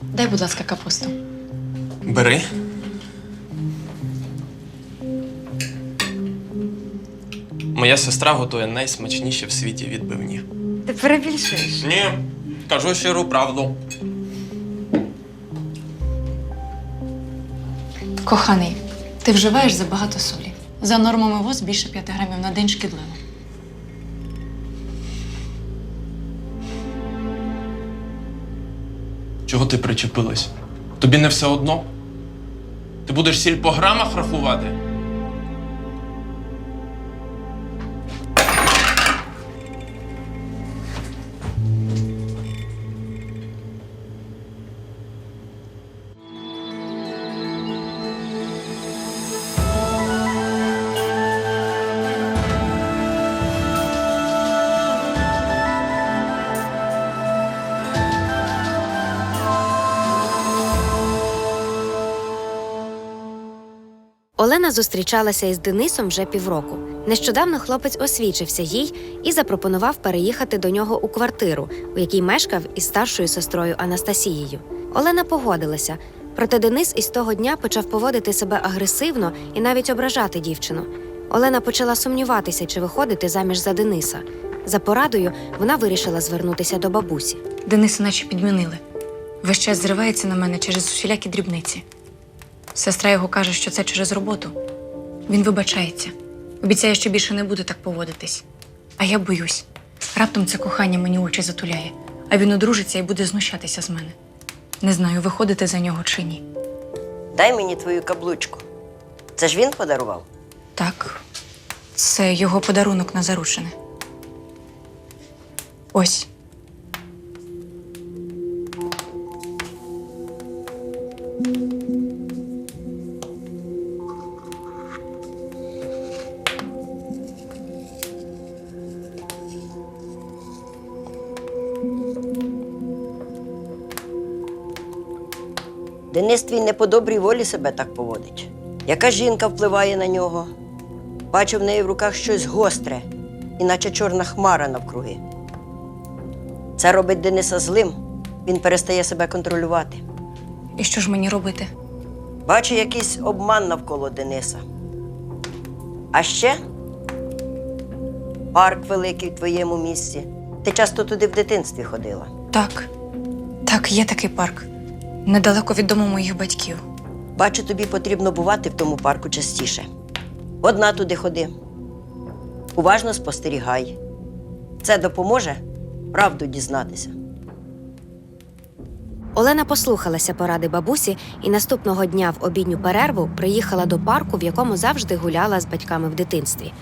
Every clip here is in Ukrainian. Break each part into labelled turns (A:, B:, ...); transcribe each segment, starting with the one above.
A: Дай, будь ласка, капусту.
B: Бери. Моя сестра готує найсмачніші в світі відбивні.
C: Ти перебільшуєш.
B: Ні, кажу щиру правду.
A: Коханий, ти вживаєш забагато солі. За нормами ВОЗ більше 5 грамів на день шкідливо.
B: Чого ти причепилась? Тобі не все одно? Ти будеш сіль по грамах рахувати?
D: Олена зустрічалася із Денисом вже півроку. Нещодавно хлопець освічився їй і запропонував переїхати до нього у квартиру, у якій мешкав із старшою сестрою Анастасією. Олена погодилася, проте Денис із того дня почав поводити себе агресивно і навіть ображати дівчину. Олена почала сумніватися, чи виходити заміж за Дениса. За порадою вона вирішила звернутися до бабусі.
A: Дениса наче підмінили. Весь час зривається на мене через усілякі дрібниці. Сестра його каже, що це через роботу. Він вибачається. Обіцяє, що більше не буде так поводитись. А я боюсь. Раптом це кохання мені очі затуляє, а він одружиться і буде знущатися з мене. Не знаю, виходити за нього чи ні.
E: Дай мені твою каблучку. Це ж він подарував?
A: Так, це його подарунок на заручене. Ось.
E: Денис твій не по добрій волі себе так поводить. Яка жінка впливає на нього? Бачу в неї в руках щось гостре, іначе чорна хмара навкруги. Це робить Дениса злим, він перестає себе контролювати.
A: І що ж мені робити?
E: Бачу якийсь обман навколо Дениса. А ще парк великий в твоєму місті. Ти часто туди в дитинстві ходила.
A: Так, є такий парк. Недалеко від дому моїх батьків.
E: Бачу, тобі потрібно бувати в тому парку частіше. Одна туди ходи. Уважно спостерігай. Це допоможе правду дізнатися.
D: Олена послухалася поради бабусі і наступного дня в обідню перерву приїхала до парку, в якому завжди гуляла з батьками в дитинстві.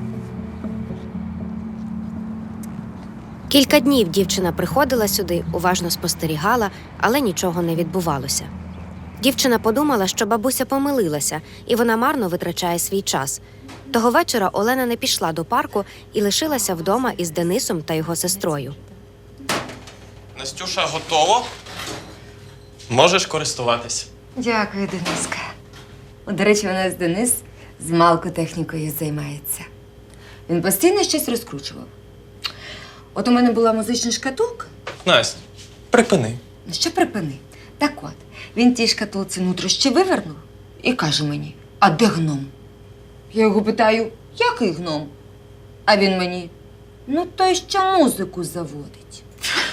D: Кілька днів дівчина приходила сюди, уважно спостерігала, але нічого не відбувалося. Дівчина подумала, що бабуся помилилася, і вона марно витрачає свій час. Того вечора Олена не пішла до парку і лишилася вдома із Денисом та його сестрою.
B: Настюша, готово? Можеш користуватись.
C: Дякую, Дениска. До речі, у нас Денис з малкотехнікою займається. Він постійно щось розкручував. От у мене була музична шкатулка.
B: Настя, припини.
C: Ну, що припини? Так от, він тій шкатулці нутрощі вивернув і каже мені: а де гном? Я його питаю: який гном? А він мені: ну той, що музику заводить.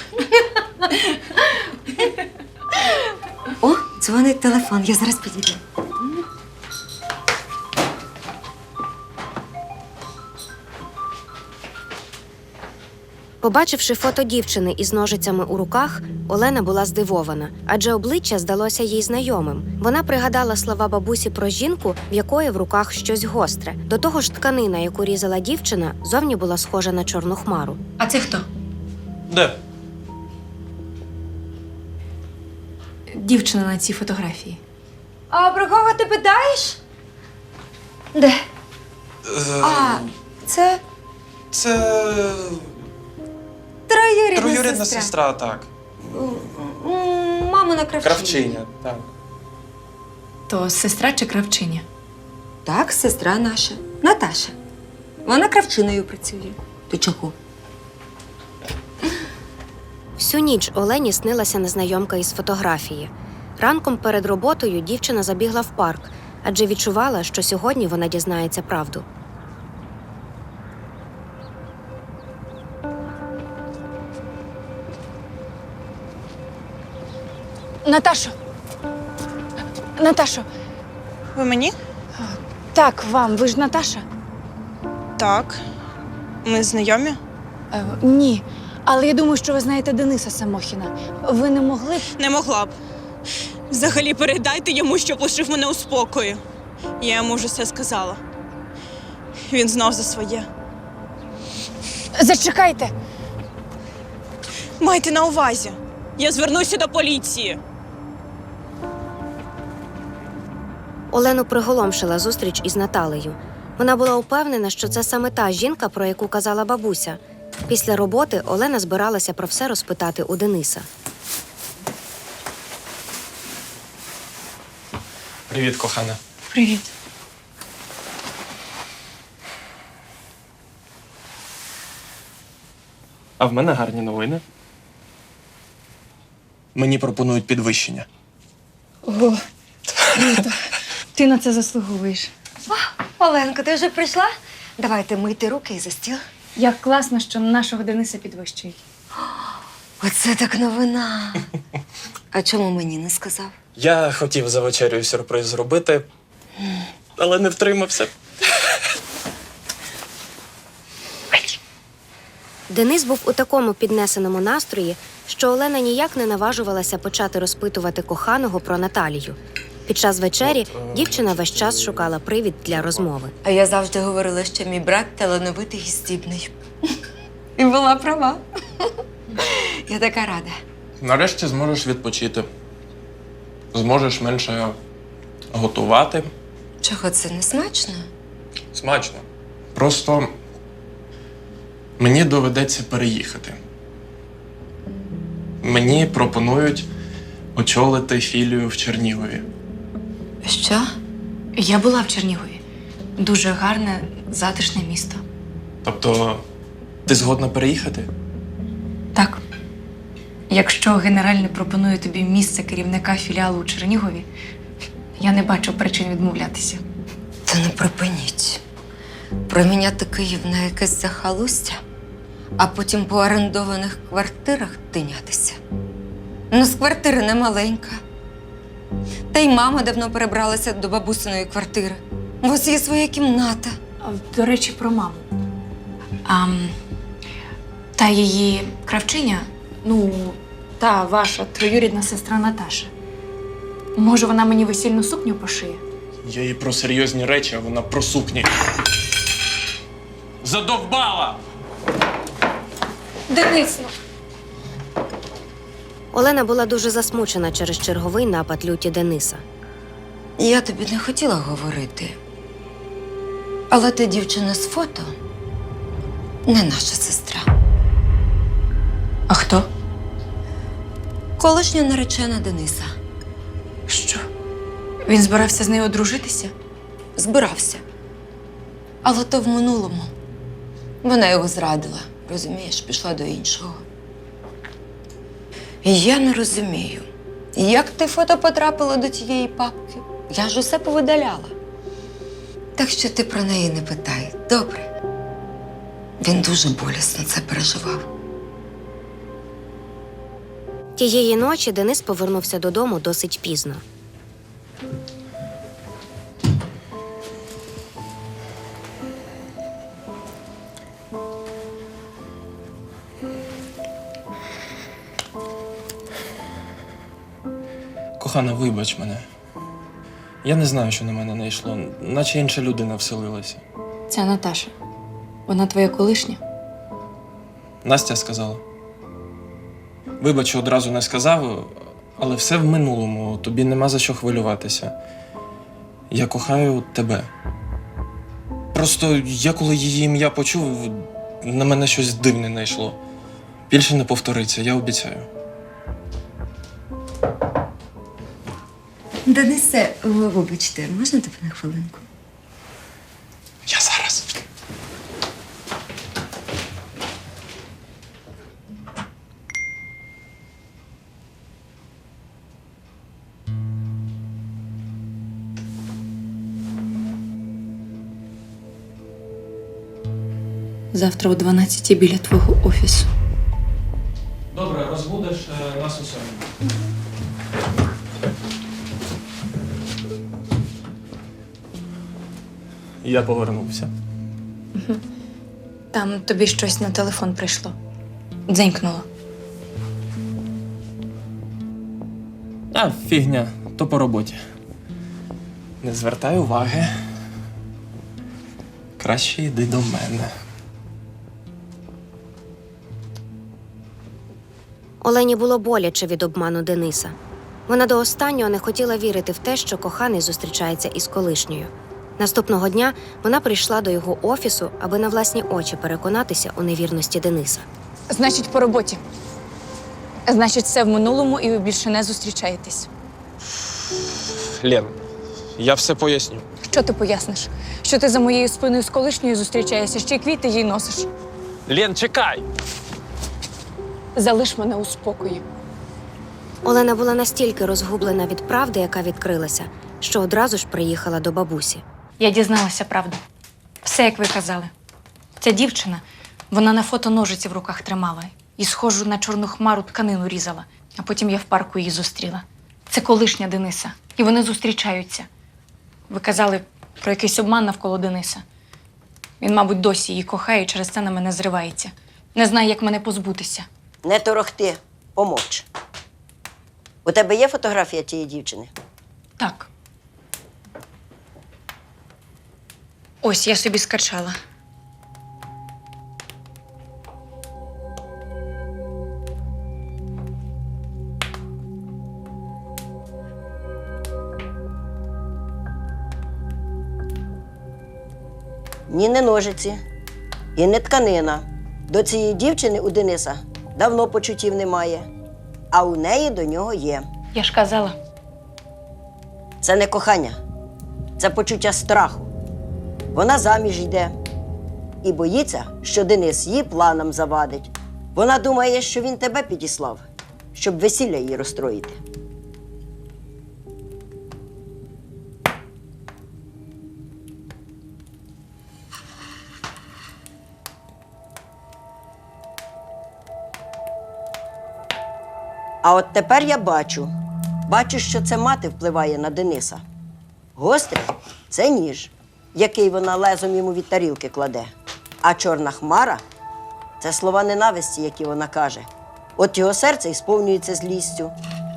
C: О, дзвонить телефон, я зараз підійду.
D: Побачивши фото дівчини із ножицями у руках, Олена була здивована, адже обличчя здалося їй знайомим. Вона пригадала слова бабусі про жінку, в якої в руках щось гостре. До того ж, тканина, яку різала дівчина, зовні була схожа на чорну хмару.
A: А це хто?
B: Де?
A: Дівчина на цій фотографії.
C: А про кого ти питаєш? Де? А, це
B: Це
C: троюрідна
B: сестра, так.
C: Мамина кравчиня.
B: Кравчиня, так.
A: То сестра чи кравчиня?
C: Так, сестра наша, Наташа. Вона кравчиною працює. Ти чого?
D: Всю ніч Олені снилася незнайомка із фотографії. Ранком перед роботою дівчина забігла в парк, адже відчувала, що сьогодні вона дізнається правду.
A: Наташо! Наташо!
F: Ви мені?
A: Так, вам. Ви ж Наташа?
F: Так. Ми знайомі?
A: Ні. Але я думаю, що ви знаєте Дениса Самохіна. Ви не могли б.
F: Не могла б. Взагалі передайте йому, щоб лишив мене у спокої. Я йому вже все сказала. Він знов за своє.
A: Зачекайте!
F: Майте на увазі. Я звернуся до поліції.
D: Олену приголомшила зустріч із Наталею. Вона була упевнена, що це саме та жінка, про яку казала бабуся. Після роботи Олена збиралася про все розпитати у Дениса.
B: Привіт, кохана.
A: Привіт.
B: А в мене гарні новини. Мені пропонують підвищення.
A: Ого, круто. Ти на це заслуговуєш.
C: Оленко, ти вже прийшла? Давайте мийти руки і за стіл.
A: Як класно, що нашого Дениса підвищують.
C: Оце так новина. А чому мені не сказав?
B: Я хотів за вечерю сюрприз зробити, але не втримався.
D: Денис був у такому піднесеному настрої, що Олена ніяк не наважувалася почати розпитувати коханого про Наталію. Під час вечері дівчина весь час шукала привід для розмови.
C: А я завжди говорила, що мій брат талановитий і здібний. І була права. Я така рада.
B: Нарешті зможеш відпочити. Зможеш менше готувати.
C: Чого це не смачно?
B: Смачно. Просто мені доведеться переїхати. Мені пропонують очолити філію в Чернігові.
C: Що?
A: Я була в Чернігові. Дуже гарне, затишне місто.
B: Тобто, ти згодна переїхати?
A: Так. Якщо генеральний пропонує тобі місце керівника філіалу у Чернігові, я не бачу причин відмовлятися.
C: Та не припиніть. Проміняти Київ на якесь захолустя, а потім по орендованих квартирах тинятися. Ну, з квартири не маленька. Та й мама давно перебралася до бабусиної квартири. У вас є своя кімната.
A: До речі, про маму. Та її кравчиня, та ваша троюрідна сестра Наташа. Може, вона мені весільну сукню пошиє?
B: Я їй про серйозні речі, а вона про сукні. Задовбала!
A: Денис,
D: Олена була дуже засмучена через черговий напад люті Дениса.
C: Я тобі не хотіла говорити. Але та дівчина з фото не наша сестра.
A: А хто?
C: Колишня наречена Дениса.
A: Що? Він збирався з нею одружитися?
C: Збирався. Але то в минулому. Вона його зрадила, розумієш, пішла до іншого. І я не розумію, як те фото потрапило до тієї папки. Я ж усе повидаляла. Так що ти про неї не питай, добре? Він дуже болісно це переживав.
D: Тієї ночі Денис повернувся додому досить пізно.
B: Кохана, вибач мене. Я не знаю, що на мене не йшло, наче інша людина вселилася.
A: Це Наташа. Вона твоя колишня?
B: Настя сказала. Вибач, що одразу не сказав, але все в минулому, тобі нема за що хвилюватися. Я кохаю тебе. Просто я, коли її ім'я почув, на мене щось дивне найшло. Більше не повториться, я обіцяю.
C: Денисе, вибачте, можна тебе на хвилинку?
B: Я зараз.
A: Завтра о 12 біля твого офісу.
B: Добре, розбудеш нас у 7. Я повернувся.
A: Там тобі щось на телефон прийшло. Дзенькнуло.
B: А, фігня, то по роботі. Не звертай уваги. Краще йди до мене.
D: Олені було боляче від обману Дениса. Вона до останнього не хотіла вірити в те, що коханий зустрічається із колишньою. Наступного дня вона прийшла до його офісу, аби на власні очі переконатися у невірності Дениса.
A: Значить, по роботі. Значить, все в минулому і ви більше не зустрічаєтесь.
B: Лен, я все поясню.
A: Що ти поясниш? Що ти за моєю спиною з колишньою зустрічаєшся, ще й квіти їй носиш.
B: Лен, чекай!
A: Залиш мене у спокої.
D: Олена була настільки розгублена від правди, яка відкрилася, що одразу ж приїхала до бабусі.
A: Я дізналася правду. Все, як ви казали. Ця дівчина, вона на фото ножиці в руках тримала і схожу на чорну хмару тканину різала. А потім я в парку її зустріла. Це колишня Дениса. І вони зустрічаються. Ви казали про якийсь обман навколо Дениса. Він, мабуть, досі її кохає і через це на мене зривається. Не знає, як мене позбутися.
E: Не торохти, помовч. У тебе є фотографія тієї дівчини?
A: Так. Ось, я собі скачала.
E: Ні, не ножиці і не тканина. До цієї дівчини у Дениса давно почуттів немає, а у неї до нього є.
A: Я ж казала.
E: Це не кохання, це почуття страху. Вона заміж йде і боїться, що Денис її планам завадить. Вона думає, що він тебе підіслав, щоб весілля її розстроїти. А от тепер я бачу, що це мати впливає на Дениса. Гострий – це ніж, який вона лезом йому від тарілки кладе. А чорна хмара – це слова ненависті, які вона каже. От його серце і сповнюється злістю.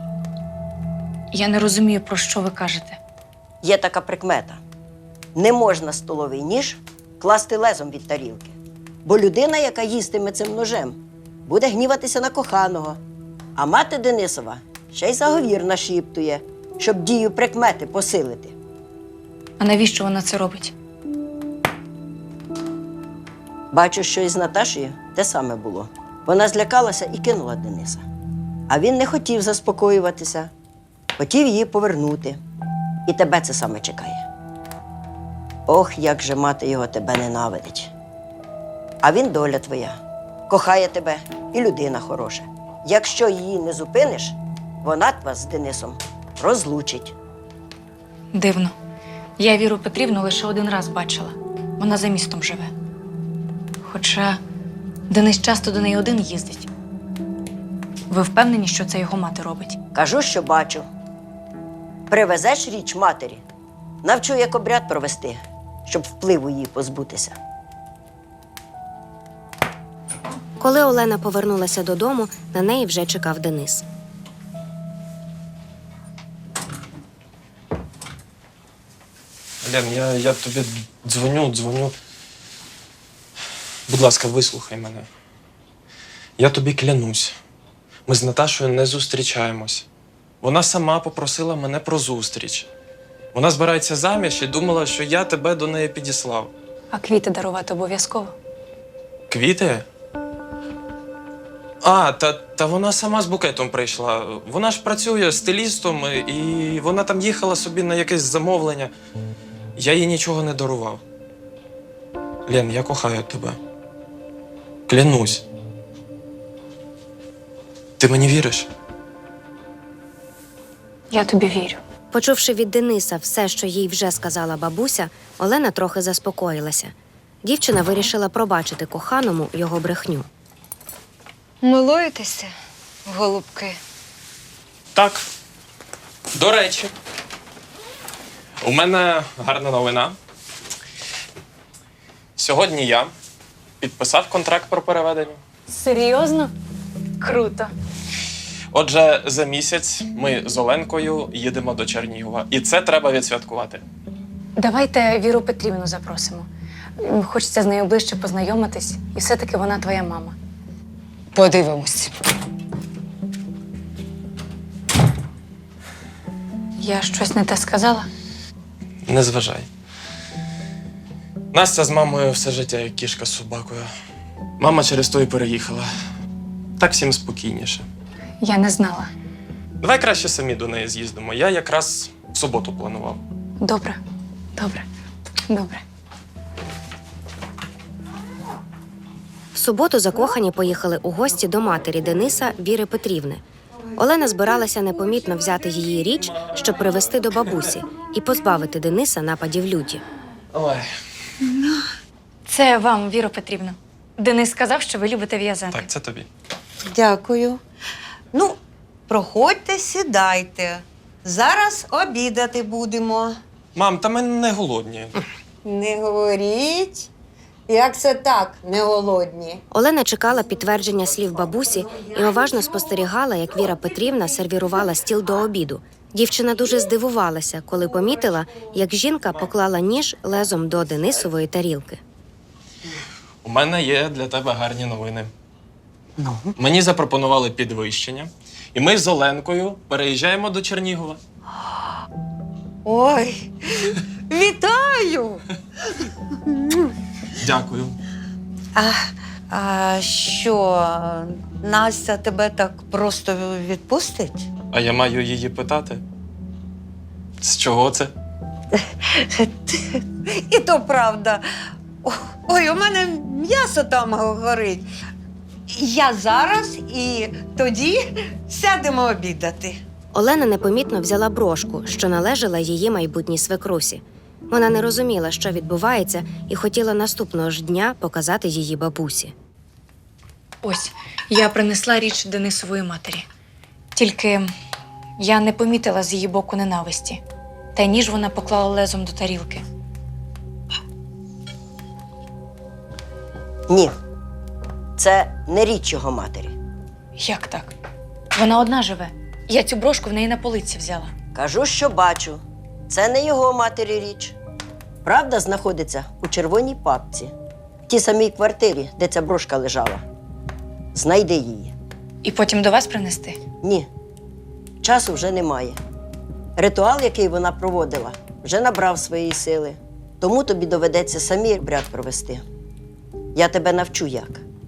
A: Я не розумію, про що ви кажете.
E: Є така прикмета. Не можна столовий ніж класти лезом від тарілки. Бо людина, яка їстиме цим ножем, буде гніватися на коханого. А мати Денисова ще й заговір нашіптує, щоб дію прикмети посилити.
A: А навіщо вона це робить?
E: Бачу, що із Наташею те саме було. Вона злякалася і кинула Дениса. А він не хотів заспокоюватися, хотів її повернути. І тебе це саме чекає. Ох, як же мати його тебе ненавидить. А він доля твоя, кохає тебе і людина хороша. Якщо її не зупиниш, вона вас з Денисом розлучить.
A: Дивно. Я Віру Петрівну лише один раз бачила. Вона за містом живе. Хоча Денис часто до неї один їздить. Ви впевнені, що це його мати робить?
E: Кажу, що бачу. Привезеш річ матері, навчу, як обряд провести, щоб впливу її позбутися.
D: Коли Олена повернулася додому, на неї вже чекав Денис.
B: Лен, я тобі дзвоню. Будь ласка, вислухай мене. Я тобі клянусь. Ми з Наташою не зустрічаємось. Вона сама попросила мене про зустріч. Вона збирається заміж і думала, що я тебе до неї підіслав.
A: А квіти дарувати обов'язково?
B: Квіти? А, та вона сама з букетом прийшла. Вона ж працює стилістом, і вона там їхала собі на якесь замовлення. Я їй нічого не дарував. Лен, я кохаю тебе. Клянусь. Ти мені віриш?
A: Я тобі вірю.
D: Почувши від Дениса все, що їй вже сказала бабуся, Олена трохи заспокоїлася. Дівчина вирішила пробачити коханому його брехню.
C: Милуєтеся, голубки?
B: Так. До речі, у мене гарна новина. Сьогодні я підписав контракт про переведення.
A: Серйозно? Круто.
B: Отже, за місяць ми з Оленкою їдемо до Чернігова. І це треба відсвяткувати.
A: Давайте Віру Петрівну запросимо. Хочеться з нею ближче познайомитись, і все-таки вона твоя мама.
C: Подивимось.
A: Я щось не те сказала?
B: Не зважай. Настя з мамою все життя як кішка з собакою. Мама через то і переїхала. Так всім спокійніше.
A: Я не знала.
B: Давай краще самі до неї з'їздимо. Я якраз в суботу планував.
A: Добре, добре, добре.
D: В суботу закохані поїхали у гості до матері Дениса Віри Петрівни. Олена збиралася непомітно взяти її річ, щоб привезти до бабусі і позбавити Дениса нападів люті.
B: Ой.
A: Це вам, Віро Петрівна. Денис сказав, що ви любите в'язати.
B: Так, це тобі.
G: Дякую. Ну, проходьте, сідайте. Зараз обідати будемо.
B: Мам, та ми не голодні.
G: Не говоріть. Як це так, не голодні?
D: Олена чекала підтвердження слів бабусі і уважно спостерігала, як Віра Петрівна сервірувала стіл до обіду. Дівчина дуже здивувалася, коли помітила, як жінка поклала ніж лезом до Денисової тарілки.
B: У мене є для тебе гарні новини.
G: Ну?
B: Мені запропонували підвищення, і ми з Оленкою переїжджаємо до Чернігова.
G: Ой, вітаю!
B: Дякую.
G: А що, Настя тебе так просто відпустить?
B: А я маю її питати. З чого це?
G: І то правда. Ой, у мене м'ясо там горить. Я зараз і тоді сядемо обідати.
D: Олена непомітно взяла брошку, що належала її майбутній свекрусі. Вона не розуміла, що відбувається, і хотіла наступного ж дня показати її бабусі.
A: Ось, я принесла річ Денисової матері. Тільки я не помітила з її боку ненависті. Та й ніж вона поклала лезом до тарілки.
E: Ні. Це не річ його матері.
A: Як так? Вона одна живе. Я цю брошку в неї на полиці взяла.
E: Кажу, що бачу. Це не його матері річ. Правда знаходиться у червоній папці. В тій самій квартирі, де ця брошка лежала. Знайди її.
A: І потім до вас принести?
E: Ні. Часу вже немає. Ритуал, який вона проводила, вже набрав своєї сили. Тому тобі доведеться самі обряд провести. Я тебе навчу як.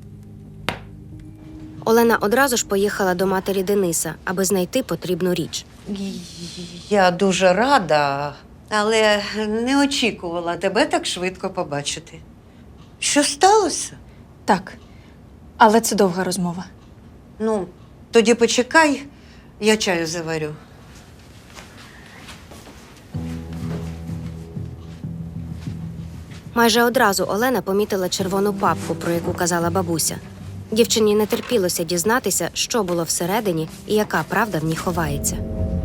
D: Олена одразу ж поїхала до матері Дениса, аби знайти потрібну річ.
G: Я дуже рада, але не очікувала тебе так швидко побачити. Що сталося?
A: Так. Але це довга розмова.
G: Ну, тоді почекай, я чаю заварю.
D: Майже одразу Олена помітила червону папку, про яку казала бабуся. Дівчині не терпілося дізнатися, що було всередині і яка правда в ній ховається.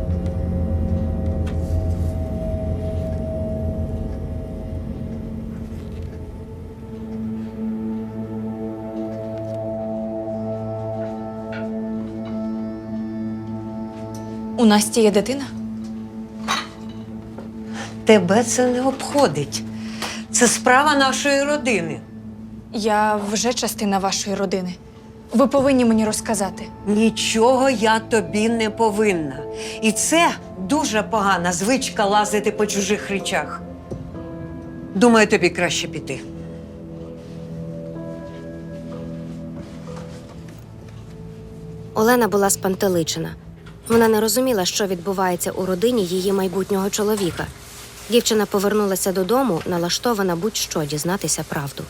A: У Насті є дитина?
G: Тебе це не обходить. Це справа нашої родини.
A: Я вже частина вашої родини. Ви повинні мені розказати.
G: Нічого я тобі не повинна. І це дуже погана звичка лазити по чужих речах. Думаю, тобі краще піти.
D: Олена була спантеличена. Вона не розуміла, що відбувається у родині її майбутнього чоловіка. Дівчина повернулася додому, налаштована будь-що дізнатися правду.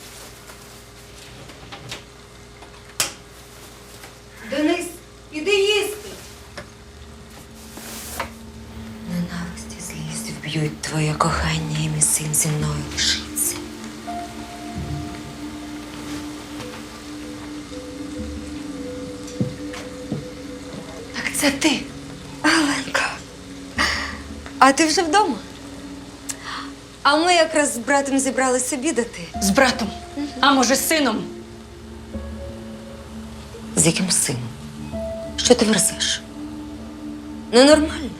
G: Денис, іди їсти. Ненависть і злість вб'ють твоє кохання, і мій син зі мною лишиться.
A: Це ти.
C: Аленка, а ти вже вдома? А ми якраз з братом зібралися обідати.
A: З братом. А може, з сином?
C: З яким сином? Що ти верзеш? Ну, нормально.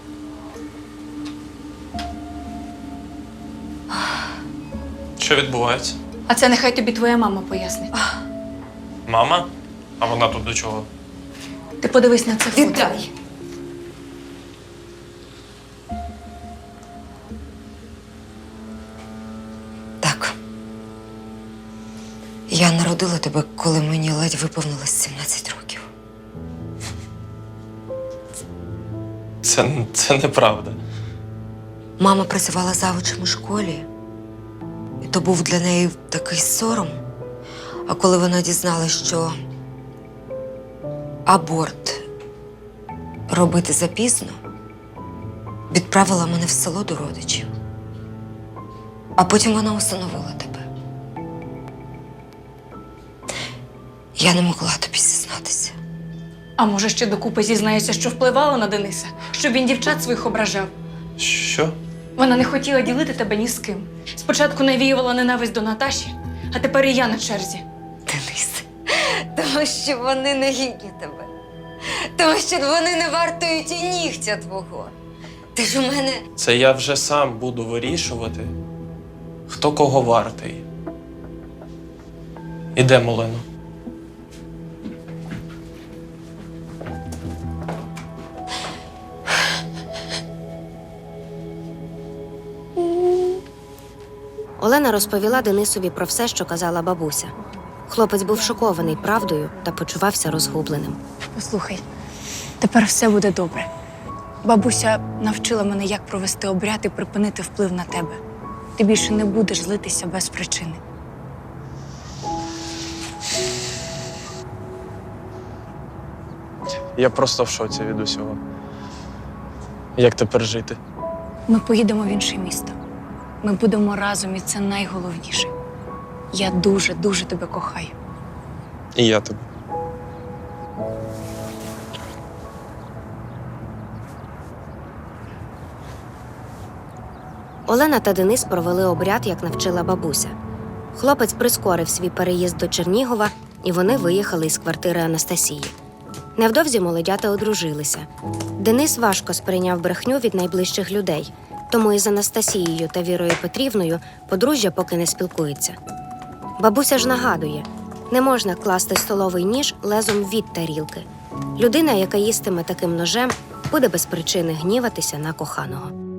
B: Що відбувається?
A: А це нехай тобі твоя мама пояснить.
B: Мама? А вона тут до чого?
A: Ти подивись на це фото.
C: Віддай. Так. Я народила тебе, коли мені ледь виповнилось 17 років.
B: Це неправда.
C: Мама працювала завучем у школі, і то був для неї такий сором. А коли вона дізналась, що аборт робити запізно, відправила мене в село до родичів. А потім вона усиновила тебе. Я не могла тобі зізнатися.
A: А може, ще докупи зізнається, що впливала на Дениса, щоб він дівчат своїх ображав.
B: Що?
A: Вона не хотіла ділити тебе ні з ким. Спочатку навіювала ненависть до Наташі, а тепер і я на черзі.
C: Денис, тому що вони не гідні тебе. Тому що вони не вартують і нігтя твого. Ти ж у мене.
B: Це я вже сам буду вирішувати, хто кого вартий. Ідемо, Олено.
D: Олена розповіла Денисові про все, що казала бабуся. Хлопець був шокований правдою та почувався розгубленим.
A: Послухай, тепер все буде добре. Бабуся навчила мене, як провести обряд і припинити вплив на тебе. Ти більше не будеш злитися без причини.
B: Я просто в шоці від усього. Як тепер жити?
A: Ми поїдемо в інше місто. Ми будемо разом, і це найголовніше. Я дуже, дуже тебе кохаю.
B: І я тебе.
D: Олена та Денис провели обряд, як навчила бабуся. Хлопець прискорив свій переїзд до Чернігова, і вони виїхали із квартири Анастасії. Невдовзі молодята одружилися. Денис важко сприйняв брехню від найближчих людей, тому із Анастасією та Вірою Петрівною подружжя поки не спілкується. Бабуся ж нагадує, не можна класти столовий ніж лезом від тарілки. Людина, яка їстиме таким ножем, буде без причини гніватися на коханого.